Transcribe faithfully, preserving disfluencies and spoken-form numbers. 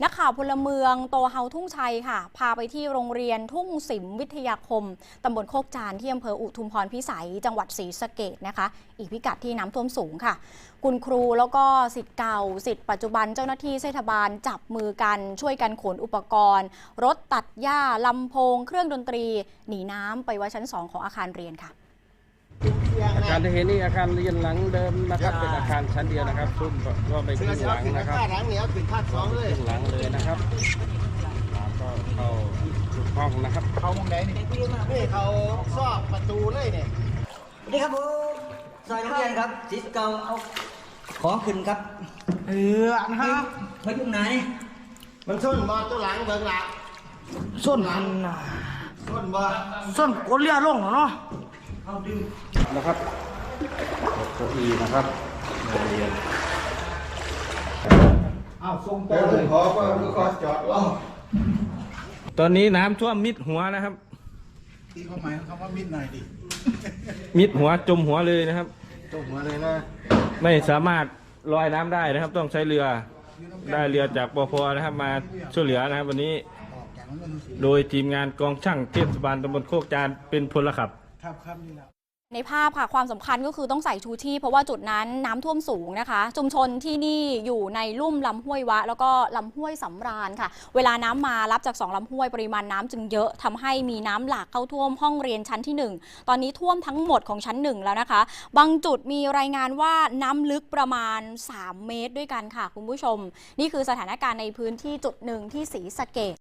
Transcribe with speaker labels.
Speaker 1: นักข่าวพลเมืองโตเฮาทุ่งชัยค่ะพาไปที่โรงเรียนทุ่งสิมวิทยาคมตำบลโคกจานที่อำเภออุทุมพรพิสัยจังหวัดศรีสะเกษนะคะอีกพิกัดที่น้ำท่วมสูงค่ะคุณครูแล้วก็ศิษย์เก่าศิษย์ปัจจุบันเจ้าหน้าที่เทศบาลจับมือกันช่วยกันขนอุปกรณ์รถตัดหญ้าลำโพงเครื่องดนตรีหนีน้ำไปไว้ชั้นสองของอาคารเรียนค่ะ
Speaker 2: อาคารที่เห็นนี่อาคารเรียนหลังเดิมนะครับเป็นอาคารชั้นเดียวนะครับซุ่มก็ไปขึ้นหลังนะครับหลังเหนียวขึ้นภาคสองเลยขึ้นหลังเลยนะครับก็เข้าทุกห้องนะครับเข้าห้องไหนนี่นี่เขาซอกประตูเลยเนี่ย
Speaker 3: นี่ครับผมซอยโรงเรียนครับศิษย์เก่าเอาของขึ้นครับ
Speaker 4: เออนะครับ
Speaker 3: ไปยุ่งไหน
Speaker 2: มันส้นบอตัวหลังเบิ่งหลัก
Speaker 4: ส้นอันน่ะ
Speaker 2: ส้นบอ
Speaker 4: ส้นกดเลี้ยลงเนาะ
Speaker 3: เอาดึง
Speaker 2: นะครับเก้าอี้นะครับเรียน
Speaker 4: อ้าวส่ง
Speaker 2: ต่อเลยขอก็ขอจอดรอตอนนี้น้ำท่วมมิดหัวนะครับ
Speaker 4: ตีความหมายคำว่ามิดหน่อยดิ
Speaker 2: มิดหัวจมหัวเลยนะครับ
Speaker 4: จมหัวเลยนะ
Speaker 2: ไม่สามารถลอยน้ำได้นะครับต้องใช้เรือได้เรือจากปพนะครับมาช่วยเหลือนะครับวันนี้โดยทีมงานกองช่างเทศบาลตำบลโคกจานเป็นพลขับ
Speaker 4: ครับครับนี่แหละ
Speaker 1: ในภาพค่ะความสำคัญก็คือต้องใส่ชูชีพเพราะว่าจุดนั้นน้ำท่วมสูงนะคะชุมชนที่นี่อยู่ในลุ่มลำห้วยวะแล้วก็ลำห้วยสำราญค่ะเวลาน้ำมารับจากสองลำห้วยปริมาณน้ำจึงเยอะทำให้มีน้ำหลากเข้าท่วมห้องเรียนชั้นที่หนึ่งตอนนี้ท่วมทั้งหมดของชั้นหนึ่งแล้วนะคะบางจุดมีรายงานว่าน้ำลึกประมาณสามเมตรด้วยกันค่ะคุณผู้ชมนี่คือสถานการณ์ในพื้นที่จุดหนึ่งที่ศรีสะเกษ